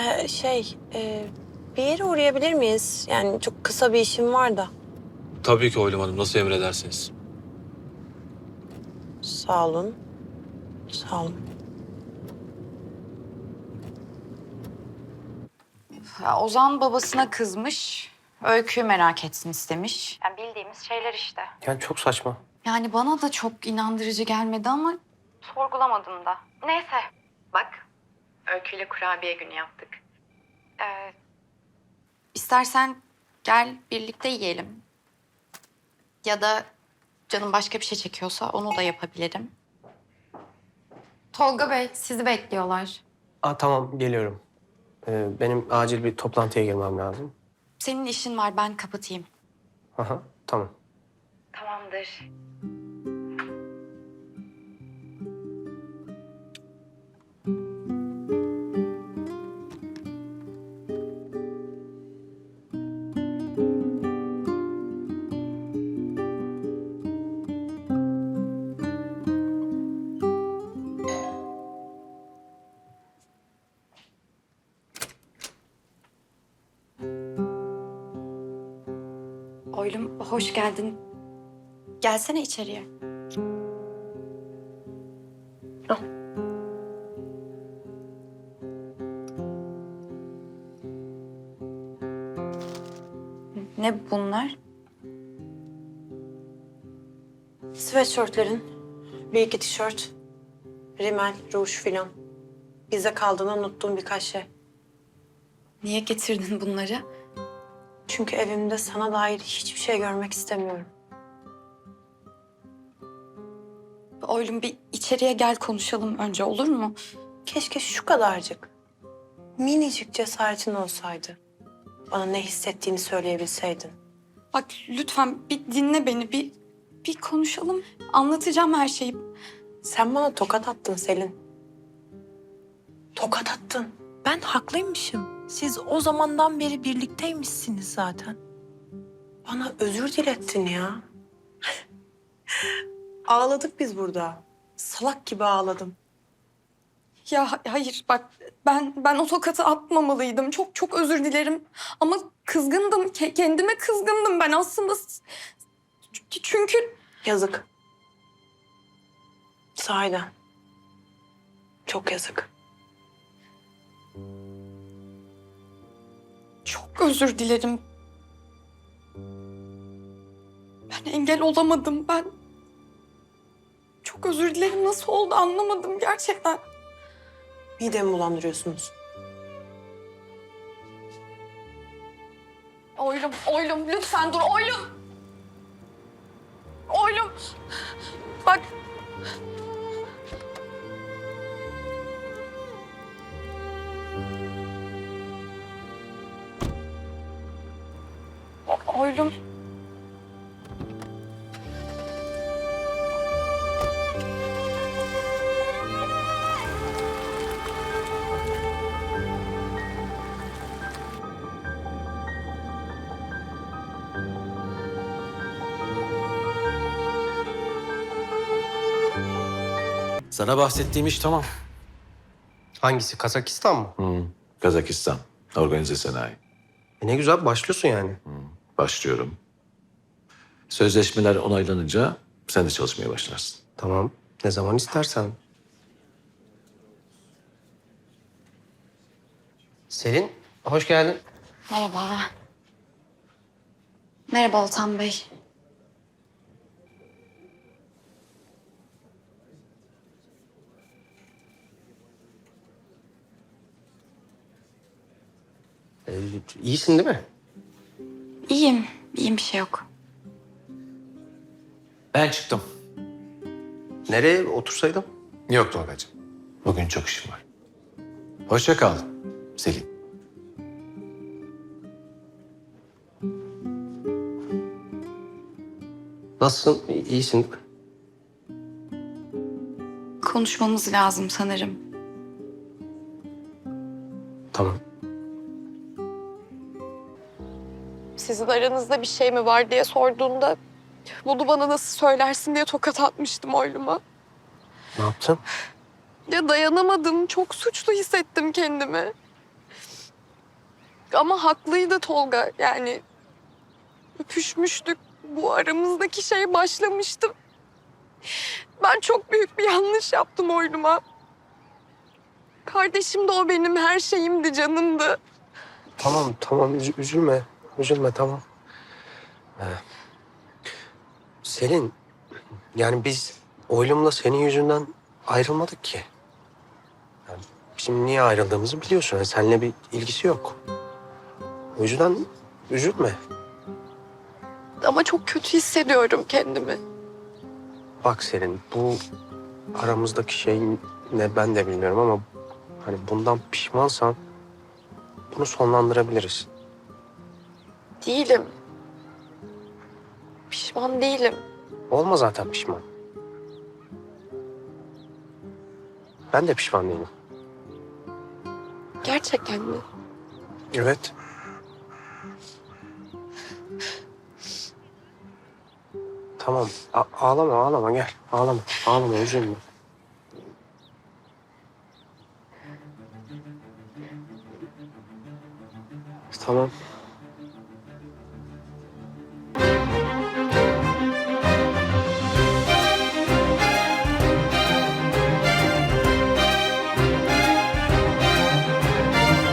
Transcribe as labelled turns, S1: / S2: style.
S1: Bir yere uğrayabilir miyiz? Yani çok kısa bir işim var da.
S2: Tabii ki Oylum Hanım. Nasıl emredersiniz?
S1: Sağ olun. Sağ olun.
S3: Ya, Ozan babasına kızmış. Öykü'yü merak etsin istemiş. Yani bildiğimiz şeyler işte.
S4: Yani çok saçma.
S3: Yani bana da çok inandırıcı gelmedi ama sorgulamadım da. Neyse. Bak, Öykü'yle kurabiye günü yaptık. İstersen gel birlikte yiyelim. Ya da canım başka bir şey çekiyorsa onu da yapabilirim.
S5: Tolga Bey, sizi bekliyorlar.
S4: Tamam geliyorum. Benim acil bir toplantıya girmem lazım.
S3: Senin işin var, ben kapatayım.
S4: Aha, tamam.
S3: Tamamdır. Oylum, hoş geldin. Gelsene içeriye. Ne bunlar?
S1: Sweatshirtlerin, bir iki tişört, rimel, ruj filan. Bize kaldığını unuttuğum birkaç şey.
S3: Niye getirdin bunları?
S1: Çünkü evimde sana dair hiçbir şey görmek istemiyorum.
S3: Oylum, bir içeriye gel konuşalım önce, olur mu?
S1: Keşke şu kadarcık, minicik cesaretin olsaydı. Bana ne hissettiğini söyleyebilseydin.
S3: Bak lütfen bir dinle beni, bir konuşalım. Anlatacağım her şeyi.
S1: Sen bana tokat attın Selin. Tokat attın. Ben haklıymışım. Siz o zamandan beri birlikteymişsiniz zaten. Bana özür dilettin ya. Ağladık biz burada. Salak gibi ağladım.
S6: Ya hayır bak ben o tokatı atmamalıydım. Çok özür dilerim. Ama kızgındım. Kendime kızgındım ben aslında. Çünkü
S1: Yazık. Sahiden. Çok yazık.
S6: çok özür dilerim. Ben engel olamadım. Ben çok özür dilerim. Nasıl oldu anlamadım gerçekten.
S1: Midemi bulandırıyorsunuz.
S6: Oylum lütfen dur Oylum. Oylum. Bak. Oylum.
S2: Sana bahsettiğim iş tamam.
S4: Hangisi? Kazakistan mı?
S7: Kazakistan, organize sanayi.
S4: Ne güzel başlıyorsun yani.
S7: Başlıyorum. Sözleşmeler onaylanınca sen de çalışmaya başlarsın.
S4: Tamam. Ne zaman istersen. Selin, hoş geldin.
S3: Merhaba. Merhaba Oltan Bey.
S4: İyisin değil mi?
S3: İyiyim bir şey yok.
S7: Ben çıktım.
S4: Nereye otursaydım?
S7: Yok Tolgacığım. Bugün çok işim var. Hoşça kal Selin.
S4: Nasılsın? İyisin değil mi?
S3: Konuşmamız lazım sanırım.
S4: Tamam.
S6: Sizin aranızda bir şey mi var diye sorduğunda bunu bana nasıl söylersin diye tokat atmıştım Oylum'a.
S4: Ne yaptın?
S6: Ya dayanamadım. Çok suçlu hissettim kendimi. Ama haklıydı Tolga. Yani öpüşmüştük. Bu aramızdaki şey başlamıştı. Ben çok büyük bir yanlış yaptım oyluma. Kardeşim de o benim her şeyimdi, canımdı.
S4: Tamam üzülme. Üzülme tamam. Selin, yani biz oylumla senin yüzünden ayrılmadık ki. Yani bizim niye ayrıldığımızı biliyorsun. Yani seninle bir ilgisi yok. O yüzden üzülme.
S6: Ama çok kötü hissediyorum kendimi.
S4: Bak Selin, bu aramızdaki şey ne ben de bilmiyorum ama hani bundan pişmansan bunu sonlandırabiliriz.
S6: Değilim. Pişman değilim.
S4: Olma zaten pişman. Ben de pişman değilim.
S6: Gerçekten mi?
S4: Evet. Tamam. Ağlama gel. Ağlama üzülme. Tamam.